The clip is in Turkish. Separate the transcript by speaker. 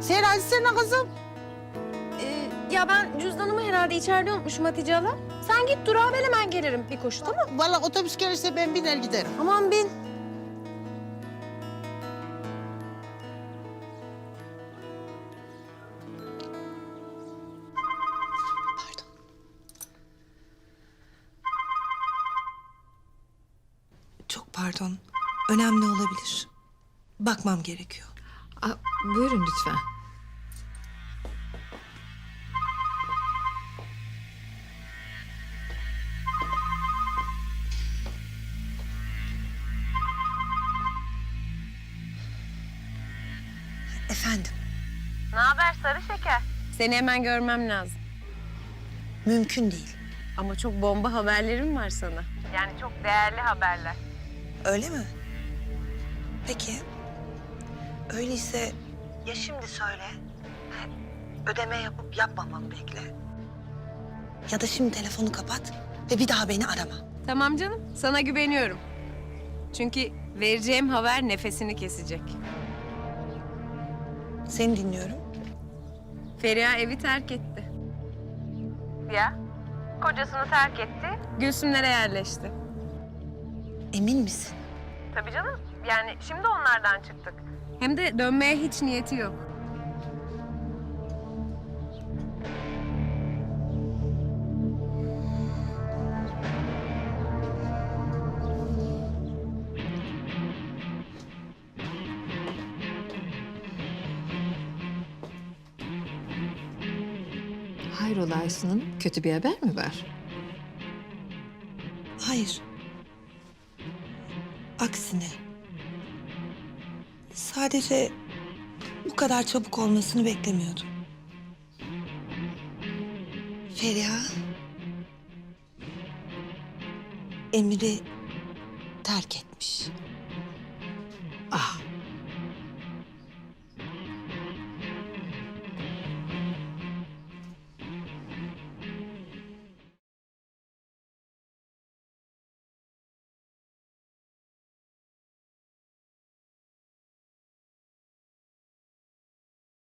Speaker 1: Sen açsana kızım.
Speaker 2: Ya ben cüzdanımı herhalde içeride unutmuşum Hatice hala. Sen git durağa, ben hemen gelirim bir koşu, tamam mı?
Speaker 1: Vallahi otobüs gelirse ben biner giderim.
Speaker 2: Aman bin.
Speaker 3: Pardon. Çok pardon. Önemli olabilir. Bakmam gerekiyor.
Speaker 4: Buyurun lütfen.
Speaker 3: Efendim,
Speaker 2: Ne haber sarı şeker? Seni hemen görmem lazım.
Speaker 3: mümkün değil.
Speaker 2: Ama çok bomba haberlerim var sana. Yani çok değerli haberler.
Speaker 3: Öyle mi? Peki. Öyleyse ya şimdi söyle. Ödeme yapıp yapmamamı bekle. Ya da şimdi telefonu kapat ve bir daha beni arama.
Speaker 2: Tamam canım, sana güveniyorum. Çünkü vereceğim haber nefesini kesecek.
Speaker 3: Seni dinliyorum.
Speaker 2: Feriha evi terk etti. Ya? Kocasını terk etti, Gülsümlere yerleşti.
Speaker 3: Emin misin?
Speaker 2: Tabii canım. Yani şimdi onlardan çıktık. Hem de dönmeye hiç niyeti yok.
Speaker 4: Hayrola Aysun Hanım, kötü bir haber mi var?
Speaker 3: Hayır. Aksine. Sadece bu kadar çabuk olmasını beklemiyordum. Feriha Emir'i terk etmiş.
Speaker 4: Ah,